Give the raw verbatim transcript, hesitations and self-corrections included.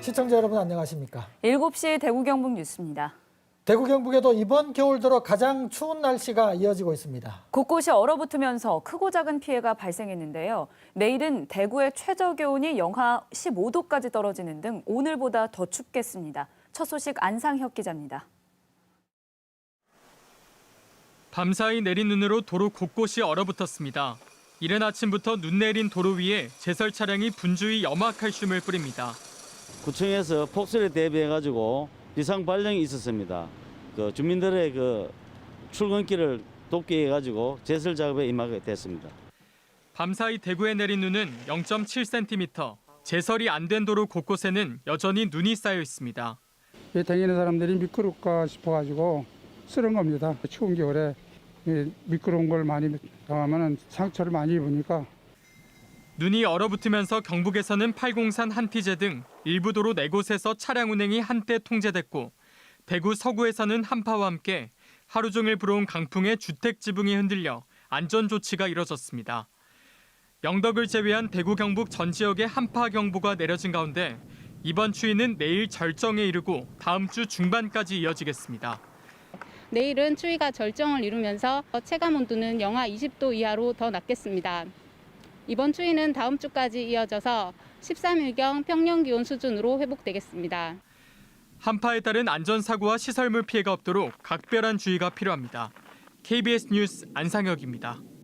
시청자 여러분 안녕하십니까? 일곱 시 대구 경북 뉴스입니다. 대구 경북에도 이번 겨울 들어 가장 추운 날씨가 이어지고 있습니다. 곳곳이 얼어붙으면서 크고 작은 피해가 발생했는데요. 내일은 대구의 최저 기온이 영하 십오 도까지 떨어지는 등 오늘보다 더 춥겠습니다. 첫 소식 안상혁 기자입니다. 밤사이 내린 눈으로 도로 곳곳이 얼어붙었습니다. 이른 아침부터 눈 내린 도로 위에 제설 차량이 분주히 염화칼슘을 뿌립니다. 구청에서 폭설에 대비해가지고 비상 발령이 있었습니다. 그 주민들의 그 출근길을 돕기 해가지고 제설 작업에 임하게 됐습니다. 밤사이 대구에 내린 눈은 영 점 칠 센티미터, 제설이 안 된 도로 곳곳에는 여전히 눈이 쌓여 있습니다. 이 다니는 사람들이 미끄럽까 싶어가지고 쓰는 겁니다. 추운 겨울에 미끄러운 걸 많이 당하면 상처를 많이 입으니까. 눈이 얼어붙으면서 경북에서는 팔공산 한티제 등 일부 도로 네 곳에서 차량 운행이 한때 통제됐고 대구 서구에서는 한파와 함께 하루 종일 불어온 강풍에 주택 지붕이 흔들려 안전 조치가 이뤄졌습니다. 영덕을 제외한 대구 경북 전 지역에 한파 경보가 내려진 가운데 이번 추위는 내일 절정에 이르고 다음 주 중반까지 이어지겠습니다. 내일은 추위가 절정을 이루면서 체감 온도는 영하 이십 도 이하로 더 낮겠습니다. 이번 추위는 다음 주까지 이어져서 십삼 일경 평년 기온 수준으로 회복되겠습니다. 한파에 따른 안전사고와 시설물 피해가 없도록 각별한 주의가 필요합니다. 케이비에스 뉴스 안상혁입니다.